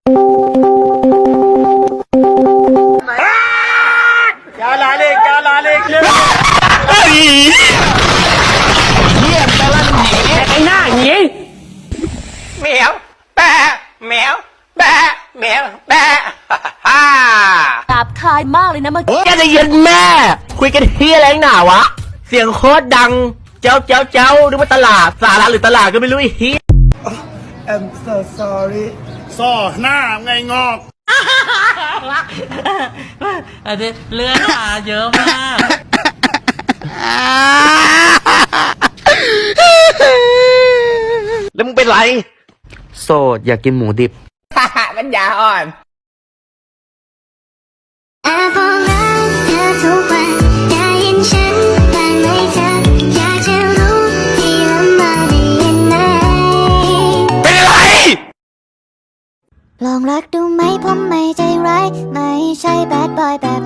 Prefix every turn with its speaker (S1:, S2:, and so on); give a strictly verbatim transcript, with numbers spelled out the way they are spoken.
S1: क्या लाले क्या लालेเยี่ยมแต่ละหนีไอ้หน้าหนีแมวแปะแมวแปะแมวแปะฮ่า
S2: หยาบคายมากเลยนะเมื่อกี้
S1: แกจะย็นแม่คุยกันเฮียอะไรหนาวะเสียงโคตรดังเจ้าเจ้าเจ้าหรือว่าตลาดสาระหรือตลาดก็ไม่รู้ไอ้เฮีย
S3: I'm so sorry
S4: ซ่อหน้าไงงอก
S5: อันนี้เลือดมาเยอะมาก
S1: แล้วมึงเป็นไรโสดอยากกินหมูดิบปัญญาอ่อน
S6: แอบบอกรักเธอทุกวันได้ยินฉันบ้างไหมเธออยากจะรู้ที่ลำบากได้ยินไหม
S1: เป็นอะไร
S6: ลองรักดูไหมผมไม่ใจร้ายไม่ใช่แบดบอยแบบ